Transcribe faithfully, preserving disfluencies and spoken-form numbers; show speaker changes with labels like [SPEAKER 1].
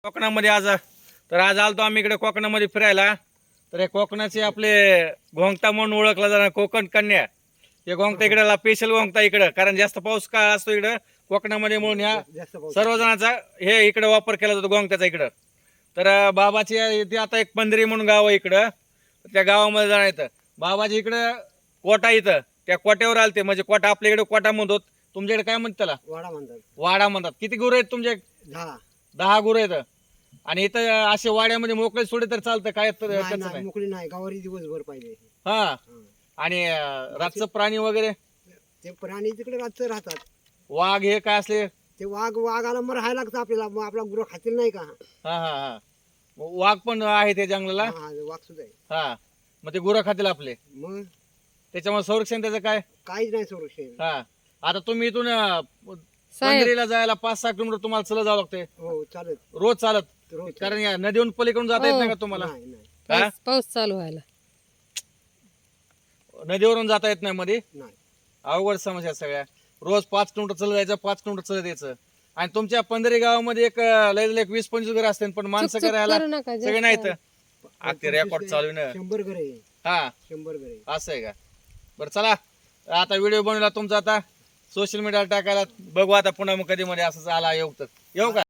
[SPEAKER 1] कोकणामध्ये आज तर आज आलतो आम्ही इकडे कोकणामध्ये फिरायला. तर हे कोकणाचे आपले घोंगटा म्हणून ओळखला जाणार कोकण कन्या. हे घोंगटा इकडे स्पेशल घोंगटा इकडं, कारण जास्त पाऊस का असतो इकडं कोकणामध्ये म्हणून ह्या सर्वजणांचा हे इकडे वापर केला जातो घोंगट्याचा इकडं. तर बाबाची इथे आता एक पंधरी म्हणून गाव आहे इकडं, त्या गावामध्ये जाणार. बाबाजी इकडं कोटा, इथं त्या कोट्यावर आलते. म्हणजे कोटा आपल्या इकडे कोटा म्हणतो, तुमच्याकडे काय म्हणतात त्याला?
[SPEAKER 2] वाडा म्हणतात.
[SPEAKER 1] वाडा म्हणतात. किती गुरु आहेत तुमचे?
[SPEAKER 2] दहा
[SPEAKER 1] दहा गुरु आहेत. आणि इथं असे वाड्यामध्ये मोकळे सोडे तर चालतं काय? तर
[SPEAKER 2] नाही,
[SPEAKER 1] त्याचं
[SPEAKER 2] नाही,
[SPEAKER 1] नाही.
[SPEAKER 2] मोकळी नाही, गावारी दिवसभर पाहिजे.
[SPEAKER 1] हा.
[SPEAKER 2] हं.
[SPEAKER 1] आणि अं, रातचं प्राणी वगैरे
[SPEAKER 2] ते प्राणी तिकडे रातचं राहतात.
[SPEAKER 1] वाघ हे काय असले?
[SPEAKER 2] ते वाघ वाघाला मग राहायला लागतं आपल्याला, मग आपला गुरु खातील नाही का?
[SPEAKER 1] हा हा हा वाघ पण आहे त्या जंगलाला.
[SPEAKER 2] हा, हा, वाघ सुद्धा आहे.
[SPEAKER 1] हा मग ते गुरं खातील आपले,
[SPEAKER 2] मग
[SPEAKER 1] त्याच्यामुळे संरक्षण त्याचं काय?
[SPEAKER 2] काहीच नाही संरक्षण.
[SPEAKER 1] हा. आता तुम्ही इथून अं, पंढरीला जायला पाच सहा किलोमीटर तुम्हाला चला जावं लागते
[SPEAKER 2] हो चालत
[SPEAKER 1] रोज चालत,
[SPEAKER 2] रोज
[SPEAKER 1] कारण या नदीहून पलीकडून जाता येत नाही का तुम्हाला?
[SPEAKER 2] नाही नाही
[SPEAKER 1] हा?
[SPEAKER 3] पाऊस पाऊस चालू व्हायला
[SPEAKER 1] नदीवरून जाता येत नाही मध्ये.
[SPEAKER 2] नाही.
[SPEAKER 1] अवघड समस्या सगळ्या. रोज पाच किलोमीटर चलत जायचं, पाच किलोमीटर चलत यायचं. आणि तुमच्या पंधरी गावामध्ये एक अं, लय लय एक वीस पंचवीस घर असते, पण माणसं
[SPEAKER 3] चुक
[SPEAKER 1] राहायला
[SPEAKER 3] करू नका,
[SPEAKER 1] सगळे
[SPEAKER 3] जास्त.
[SPEAKER 1] नाहीत. आ, ते रेकॉर्ड चालू आहे ना.
[SPEAKER 2] शंभर घर आहे.
[SPEAKER 1] हा
[SPEAKER 2] शंभर घर आहे.
[SPEAKER 1] असं आहे का? बरं चला, आता व्हिडिओ बनवला तुमचा, आता सोशल मीडियाला टाकायला बघू. आता पुन्हा मग कधी मध्ये असं आला येऊ तर येऊ का?